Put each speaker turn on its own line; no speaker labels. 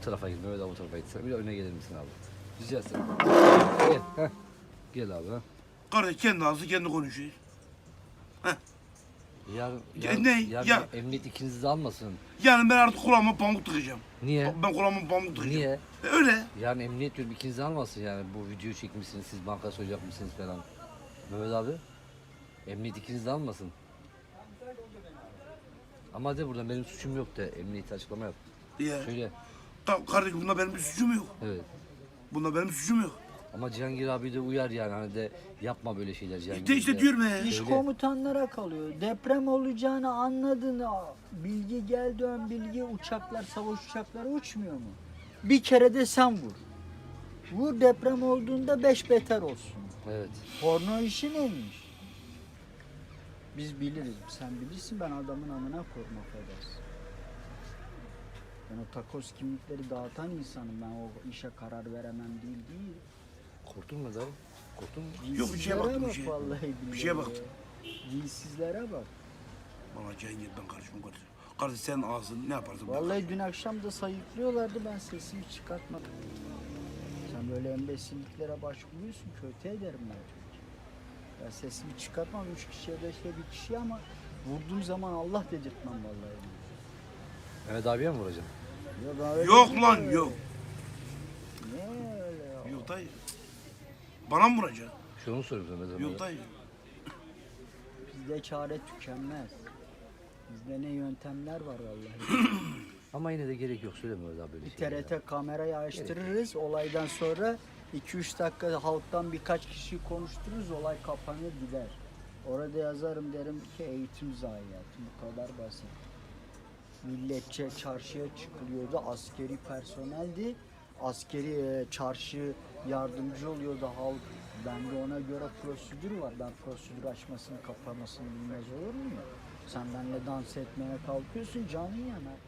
tarafa git. Mehmet abi bu tarafa git. Sen bir de öne gelir misin abi? Rica ederim. Gel. Heh. Gel abi. Ha.
Kardeş kendi ağzı kendi konuşuyor.
Yarın,
Ne?
yarın
Ya-
emniyet ikinizi de almasın.
Yani ben artık kulağıma pamuk tıkacağım.
Niye?
Ben kulağıma pamuk tıkacağım.
Niye?
Öyle.
Yarın emniyet diyorum ikinizi almasın yani. Bu videoyu çekmişsiniz, siz banka soyacakmışsınız falan. Mehmet abi. Emniyet ikinizi de almasın. Ama de buradan benim suçum yok de. Emniyete açıklama yap.
Ya.
Söyle.
Kardeş bunda benim bir suçum yok.
Evet.
Bunda benim suçum yok.
Ama Cihangir abi de uyar yani hani de yapma böyle şeyler Cihangir.
İşte diyorum ya.
İş
Söyle.
komutanlara kalıyor. Deprem olacağını anladın. Bilgi geldi ön bilgi. Uçaklar, savaş uçakları uçmuyor mu? Bir kere de sen vur. Vur, deprem olduğunda 5 beter olsun.
Evet.
Porno işi neymiş? Biz biliriz. Sen bilirsin, ben adamın amına koyma affedersin. Ben o takoz kimlikleri dağıtan insanım. Ben o işe karar veremem değil.
Korktun mu dayı? Korktun mu?
Yok, bir şeye baktım, bir
Bak
şeye.
vallahi billahi
Bir şeye baktım.
ya. Dinsizlere bak.
Bana Cihangir ben karışmam kardeş. Kardeş senin ağzın ne yaparsın?
Vallahi dün akşam da sayıklıyorlardı, ben sesimi çıkartmadım. Sen böyle embesilliklere başvuruyorsun, kötü ederim ben çünkü. Ben sesimi çıkartmam, 3 kişiye 5'e bir kişiye ama vurduğum zaman Allah dedirtmem vallahi.
Mehmet abiye mi vuracaksın?
Ya ben öyle
Yok
değilim
lan
öyle.
yok.
Ne öyle ya?
Yok dayı. Bana mı vuracaksın?
Şunu soruyorum Mehmet abi.
Yok dayı.
Bizde çare tükenmez. Bizde ne yöntemler var vallahi.
Ama yine de gerek yok söyleme Mehmet abi böyle
Bir
şeyler.
TRT kamerayı açtırırız. Olaydan sonra 2-3 dakika halktan birkaç kişi konuştururuz. Olay kapanır gider. Orada yazarım, derim ki eğitim zayiatı. Bu kadar basit. Milletçe çarşıya çıkılıyordu. Askeri personeldi. Askeri çarşı yardımcı oluyordu halk. Bende ona göre prosedür var. Ben prosedür açmasını kapamasını bilmez olur muyum? Sen benimle dans etmeye kalkıyorsun, canın yanar.